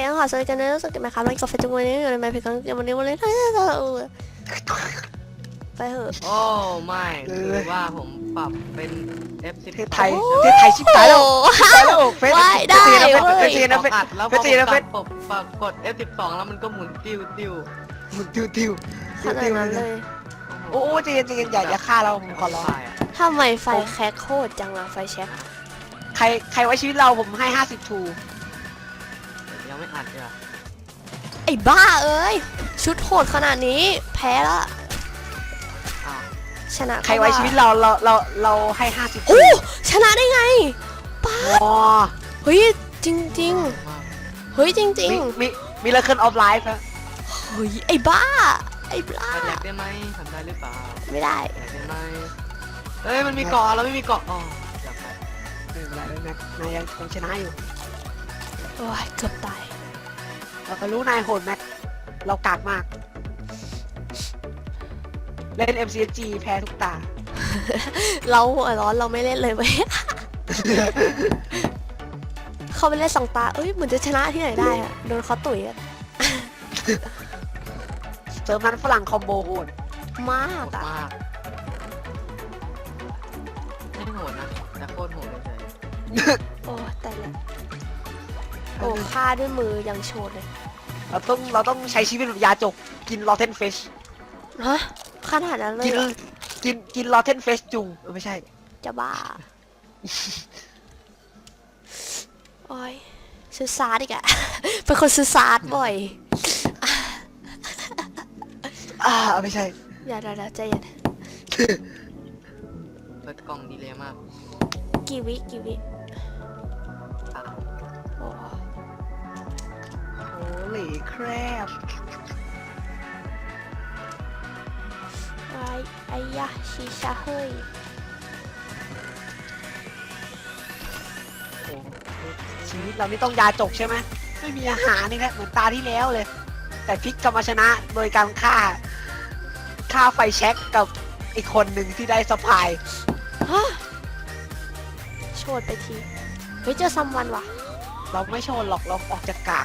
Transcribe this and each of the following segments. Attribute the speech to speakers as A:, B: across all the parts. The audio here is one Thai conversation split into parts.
A: ขอสวัสดีกันนะรู้สึกกันไหมครับเรากาแฟจุงวันนี้อยู่ในไมค์เพลงกันวันนี้ไปเถอะ
B: โอ้ไม่คือว่าผมปรับเป็น F10
C: เทศไทยชิบหายแล้วเฟส
A: ได้ได้
C: เฟสนะเฟส
B: อัดแล้วพ
C: เฟ
B: อ
C: ส
B: ผม
C: นะเฟ
B: ปรั
C: ส
B: บกด F12 แล้วมันก็หมุนติ้ว
C: มึงติว
A: ขนาดนั้นเลย
C: โอ้ใจเย็นอย่าฆ่าเราผมขอร้อง
A: ทำไมไฟแคคโคตรจังอะไฟแช็ค
C: ใครไว้ชีวิตเราผมให้50ทู
B: ยังไม่อัดเลย
A: ไอ้บ้าเอ้ยชุดโหดขนาดนี้แพ้ละ
B: อ้าว
A: ชนะ
C: ใครไว้ชีวิตเราให้50ทู
A: โอ้ชนะได้ไงป้า
C: อ๋อ
A: เฮ้ยจริงๆเฮ้ยจริง
C: มีเลเคิลออฟไลฟ์ครับ
A: ๆเฮ้ยไอ้บ้าไอ้บ้า
B: ไปแลกได้ไหมทำได้หรือเปล่า
A: ไม่ได้
B: แลกได้ไหมเฮ้ยมันมีเกาะเราไม่มีเกาะอ๋ออยากไป
C: ไม่เป็นไรแล้วนะนายยังชนะอยู่
A: โอ้ยเกือบตาย
C: เราก็รู้นายโหดแม็กเรากากมากเล่น MCG แพ้ทุกตา
A: เราหัวร้อนเราไม่เล่นเลยเว้ย เขาไปเล่นสองตาเอ้ยเหมือนจะชนะที่ไหนได้อะโดนเขาตุ๋ยอะ
C: เซิร์ฟนั้นฝรั่งคอมโบโหด
A: มาก
B: โหด
A: อะ
B: มากไม่โหดนะแต่โคตรโหดเลย
A: โอ้แต่ละโอ้ฆ่าด้วยมือยังโชดเลย
C: เราต้องใช้ชีวิตแบบยาจกกินลอเทนเฟช
A: ฮะขนาดนั้นเลย
C: กิน
A: เหรอ
C: กินลอเทนเฟชจุงไม่ใช่
A: จะบ้าโอ้ยซื้อซาร์ดอีกอะ เป็นคนซื้อซาร์ดบ่อย
C: ไม่ใช่
A: อย่าเดี๋ยวใจเย็น
B: เปิดกล่องดีเลยมาก
A: กี่วิโอ้
C: โอ้เหล่แครบ
A: ไอ้ยะชีชาเฮ้ย
C: โอ้ชีวิตเรานี่ต้องยาจกใช่ไหมไม่มีอาหารนี่แหละเหมือนตาที่แล้วเลย แต่พลิกกลับมาชนะโดยการฆ่าไฟแช็กกับอีกคนหนึ่งที่ได้สะพาย
A: ฮะโชดไปทีเฮ้ยเจอซัมวันว่ะ
C: เราไม่โชว์หรอกเราออกจากกาก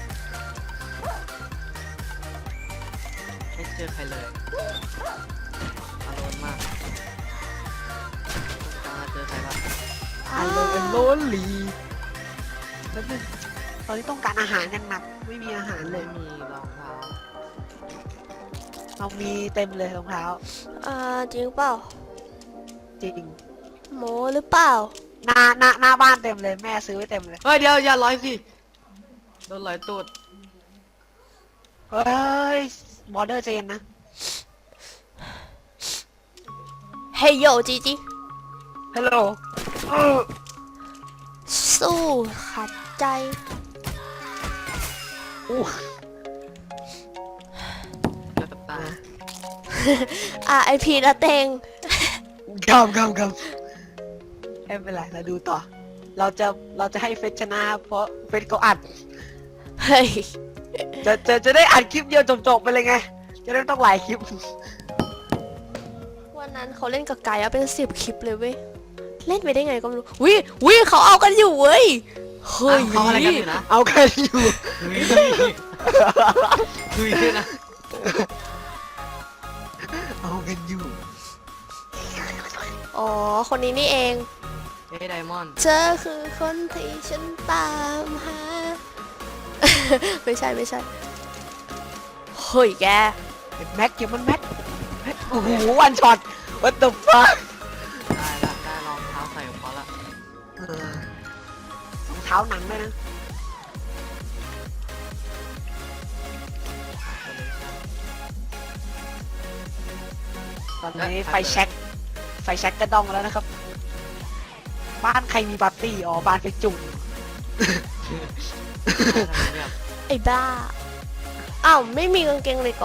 B: ไม่เจอใครเลยอารมณ์มากตามมาเจอใครบ้าง
C: อันโลเป็นโลนลีแล้วนึงตอนนี้ต้องการอาหารอย่างหนักไม่มีอาหารเล
B: ไม่
C: ย
B: มีรองเท้า
C: เรามีเต็มเลยรองเท้า
A: จริงเปล่า
C: จริง
A: โมหรือเปล่า
C: หน้าบ้านเต็มเลยแม่ซื้อไว้เต็มเลย
B: เฮ้ยเดี๋ยวอย่าร้อยสิโดนร้อยตูด
C: เฮ้ยบอร์เดอร์เจนนะ
A: เฮ้ยโยจีจี
C: ฮัลโหล
A: สู้ขัดใจ
C: อู้
B: เกือบตาย
A: RIP นะเตง
C: กำไม่เป็นไรเราดูต่อ เราจะให้เฟสชนะเพราะเฟสเขาอัด
A: เฮ้ย
C: จะได้อัดคลิปเดียวจบไปเลยไง จะได้ไม่ต้องหลายคลิป
A: วันนั้นเขาเล่นกับไก่อะเป็น10 คลิปเลยเว้ย เล่นไปได้ไงก็ไม่รู้วิเขาเอากันอยู่เว้ย เฮ้ย
B: เขาอะไรกันอยู่นะ
C: เอากันอยู่
B: คุยด้วยนะ
C: เอากันอยู่
A: อ๋อ คนนี้นี่เอง
B: เฮ้ยไดมอนด์
A: เธอคือคนที่ฉันตามหา ไม่ใช่ เฮ้ยแก
C: แม็กเก็บมันแม็กโอ้โหวันช็อต what the fuck
B: ได้ละได้รองเท้าใส่ของเขาละ
C: รองเท้าหนังด้วยนะ ตอนนี้ไฟแช็กกระดองแล้วนะครับ บ้านใครมีปาร์ตี้อ๋อบ้านไปจุ่ม
A: ไอ้บ้า อ้าว ไม่มีกางเกงเลยก่อ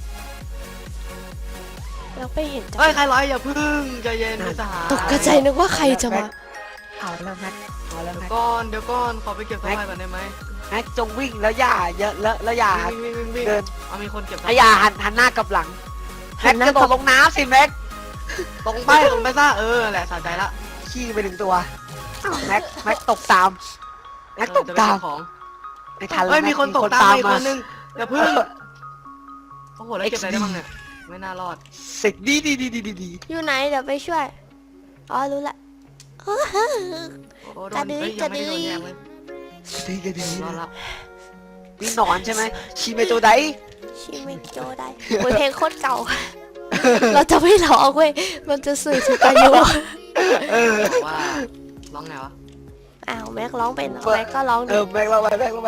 A: แล้วไปเห็นจัง
B: เฮ้ยใครร้อยอย่าพึ่งใจเย็นนะสหาย
A: ตกใจนึกว่าใครจะมา
C: เอาแล้วแม็กเอาแล้ว
B: เดี๋ย
C: แม็
B: ว
C: ก
B: เดี๋ยวก่อนขอไปเก็บสบายก่อนได้ไหม
C: แม็กจงวิ่งแล้วอย่าเยอะแล้วอย่า
B: วิ่ง
C: เดิน
B: เอามีคนเก็บ
C: อย่าหันหน้ากลับหลังแม็กจะตกลงน้ำสิแม็ก
B: ตรงไปซะแหละสะใจละ
C: ขี้ไปหนึ่งตัวอ้าวแม็กตกตามแม็กตก
B: จะไป
C: ตาม
B: เก็บของ
C: ไม่ทันแล้ว
B: เฮ้ยมีคนตกตามมาอีก
C: มา
B: คนนึงอย่าเพิ่งโอ้โหแล้วเก็บอะไรได้บ้างเนี่ยไม่น่ารอด
C: สิกดี
A: อยู่ไหนเดี๋ยวไปช่วย อ๋อรู้ละ
B: โอ้โหโดนเฮ้ยยังไม่ได้โดนแยงเลย
C: ดี
B: รอดละ
C: นี่หนอนใช่ไหมชิเมโจได
A: ชิมิโจได้โอ้ยเพลงโคตรเก่า เราจะไม่ร้องเว้ย มันจะสื่อถึงอายุ
B: บอกว่าร้องไงวะ
A: อ้าวแม็กร้องเป็นเหรอแม็กก็ร้องดิ
C: แม็กเราไป
B: คือ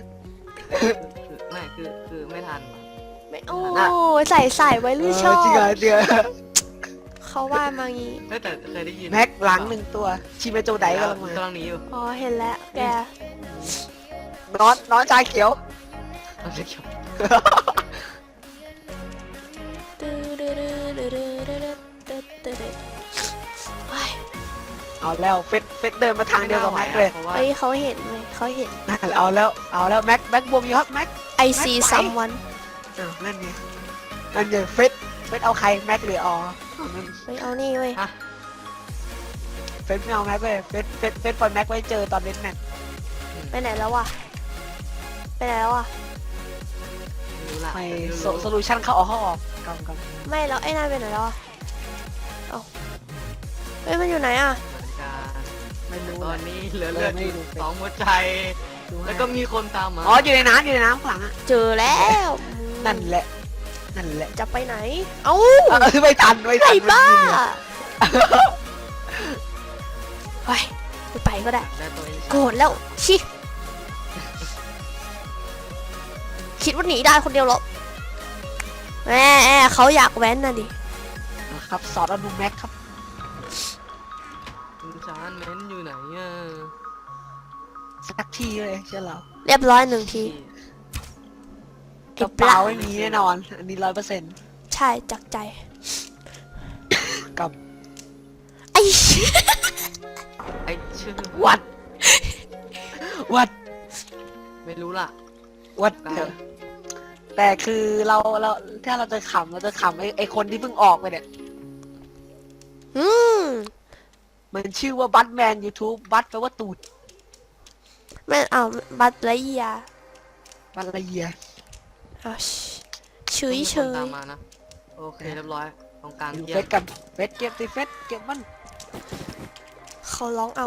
B: ไม่คือไม่ทัน
A: ไม่โอ้ยใส่ไว้หรือชอบ
C: จริงเหรอเดือ
A: เขาว่ามางี้
B: เฮ้ยแต่เคยได้ยิน
C: แม็กหลังหนึ่งตัวชิเมโจไดกำลังมาก
B: ำลังหนีอยู่
A: อ๋อเห็นแล้วแก
C: น้อนชาเขียว
B: เอาเขียว
A: เฮ้ย
C: เอาแล้วเฟสเดินมาทางเดียวกับแม็กเลย
B: เพราะว่า
A: เฮ้ยเขาเห็นเลยเขาเห็น
C: เอาแล้วแม็กบวมอยู่ครับแม็ก
A: I see someone
C: นั่นไงเฟสเอาใครแม็กหรืออ๋อนั่น
A: เฮ้ยเอานี่เว้ย
B: ฮะ
C: เฟสไม่เอาแม็กเลยเฟสปล่อยแม็กไว้เจอตอนเล่นแม็ก
A: ไปไหนแล้ววะไปไหนแล้ววะ
B: ไม่รู้ละ
C: ไม่โซลูชันเข้าออกกำ
A: ไม่แล้วไอ้นายไปไหนแล้วอะเอ้าเฮ้ยมันอยู่ไหนอะ
B: เหมือนกัน
C: ไม่รู้
B: ตอนนี้เหลือเลือด
C: ไม่
B: อยู่
C: รู้
B: สองหัวใจ แล้วก็มีคนตามมา
C: อ๋ออยู่ในน้ำข้างหลังอ่ะ
A: เจอแล้ว
C: นั่นแหละ
A: จะไปไหน เอ้า
C: ไม่ทัน
A: ไอ้บ้าเฮ้ยไม่ไปก็ได้
B: ได้ตัวเอง
A: โกรธแล้วชิคิดว่าหนีได้คนเดียวเหรอแม่เขาอยากแว้นน่ะดิ
C: ครับสอนอนุแม็กครับ
B: ชานเม้นอยู่ไหนอ่ะ
C: สักทีเลยใช่เหรอ
A: เรียบร้อยหนึ่งที
C: กระเป๋าไม่มีแน่นอน อันนี้100%
A: ใช่จากใจ
C: กับ
A: ไอ้
B: ไอ้ชื่อ
C: วัด
B: ไม่รู้ล่ะ
C: แต่คือเราถ้าเราจะขำไอ้คนที่เพิ่งออกไปเนี่ย
A: อืม
C: มันชื่อว่าบัตแมน YouTube บัตแปลว่าตูด
A: ไม่เอาบัตรละยา
C: บัตละเอียด
A: เอาเฉย
B: มี
A: เฉ
B: คน
A: ย
B: ตามมานะโอเคเรียบร้อยตรงกลาง
C: อยู่
B: เยี่
C: เฟ
B: ยม
C: สกันเฟสเก็บสิเฟสเก็บมัน
A: เขาร้องเอา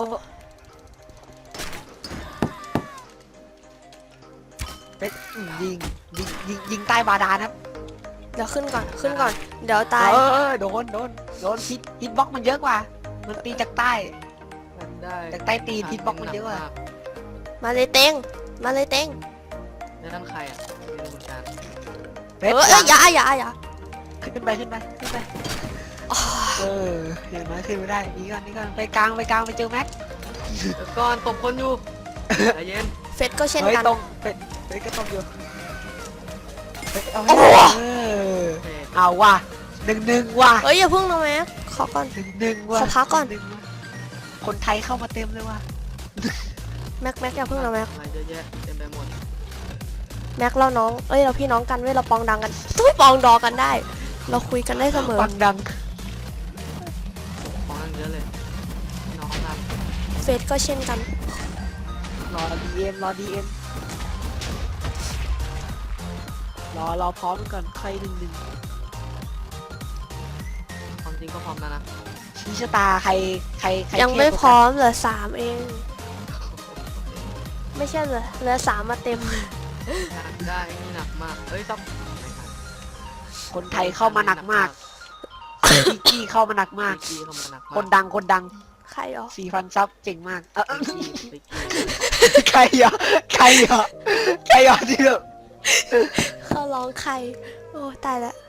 C: เฟสยิงใต้บาดาลครับ
A: เดี๋ยวขึ้นก่อน เดี๋ยวตาย
C: โดนฮิตบ็อกมันเยอะกว่า มันตีจากใต้
B: มันได้
C: จากใต้ตีนฮิตบ็อกมันเยอะกว่า
A: มาเลยเต็ง
B: แล้วนั่นใครอ่ะไม่รู้เหมือนกัน
C: เฟ
A: เอ
C: ส
A: ออย่า
C: ขึ้นไปเห็นไหมขึ้นไม่ได้นี่ก่อนไปกลางไปเจอแม็ก
B: เดี๋ยวก่อนตบคนอยู่ใจเย็น
A: เฟสก็เช่น
C: เฮ้ย
A: กัน
C: ตรงเฟสก็ตรงอยู่เฟสเอาให้ได้
B: โอเค
C: เอาว่ะ1-1ว่ะ
A: เฮ้ยอย่าพึ่งนะแม็กขอก่อน
C: 1-1ว่ะ
A: ขอพักก่อน
C: 1-1ว่ะคนไทยเข้ามาเต็มเลยว่ะ
A: แม็กอย่าพึ่งนะแม็ก
B: อะไรเยอะแยะเต็มไปหมด
A: แม็กเราน้องเราพี่น้องกันเว้ยเราปองดังกันต้องปองดอกันได้ เราคุยกันได้เสมอ
C: ปังดัง
B: ของนั่นเยอะเลยน้องครับ
A: เฟสก็เช่นกัน
C: รอดีเอ็มรอพร้อมก่อนใคร1-1
B: ความจริงก็พร้อมแล้วนะ
C: ชี้ชะตาใคร
A: ยังไม่
C: เทพกว่า
A: พร้อมเหลือ3เอง ไม่ใช่เหลือ3มาเต็ม
B: อยากได้นี่หนักมากเอ้ยต้องไม่ทัน
C: คนไทยเข้ามาหนักมากพี่กี้เข้ามาหนักมาก
B: พี่เข้ามาหนักมาก
C: คนดัง
A: ใครเหรอ
C: 4,000 ซับเจ๋งมาก
B: พี่กี้
C: ใครอ่ะที่แบบ
A: เขาร้องใคร โอ้ตายละ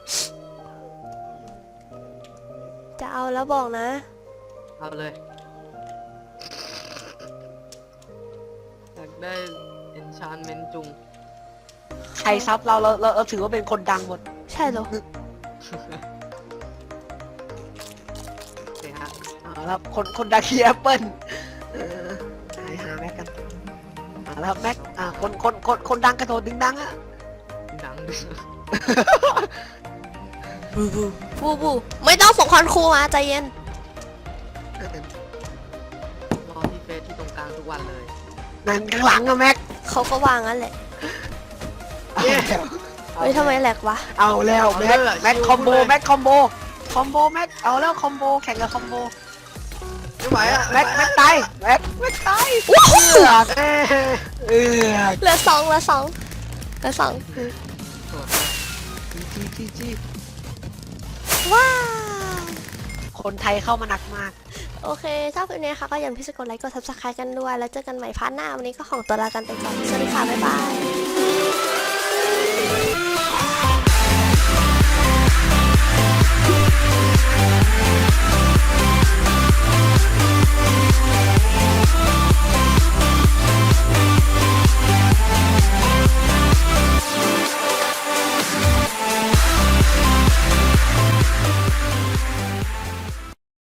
A: จะเอาแล้วบอกนะ
B: เอาเลยอยากได้ enchantment จุง
C: ใครซับเราถือว่าเป็นคนดังหมด
A: ใช่เหรอ
B: โอเคฮะ
C: แล้วคนดังที่แอปเปิ้ลหาแม็กกันแล้วแม็กคนดังกระโดดดึงดังอ่ะ
B: ดัง
A: บูไม่ต้องส่งคอนครูมาใจเย็น
B: รอที่เฟซที่ตรงกลางทุกวันเลย
C: นั่นข้างหลังอะแม็ก
A: เขาก็วางงั้นแหละ
C: เอาแล้ว
A: เฮ้ยทำไมแหลกวะ
C: เอาแล้วแม็กคอมโบแม็กคอมโบคอมโบแม็กเอาแล้วคอมโบแข่งกับคอมโบ
B: ไม่ไหวอ่ะ
C: แม็กตายแม็กตาย
A: ว้าว
C: เอ้เออ
A: เหลือสองเหลือสองเหลือสอง
C: จี
A: ว้าว
C: คนไทยเข้ามาหนักมาก
A: โอเคถ้าคลิปนี้ค่ะก็อย่าลืมที่จะกดไลค์กด subscribe กันด้วยแล้วเจอกันใหม่พาร์ทหน้าวันนี้ก็ของตัวลากันไปก่อนสวัสดีค่ะบ๊ายบาย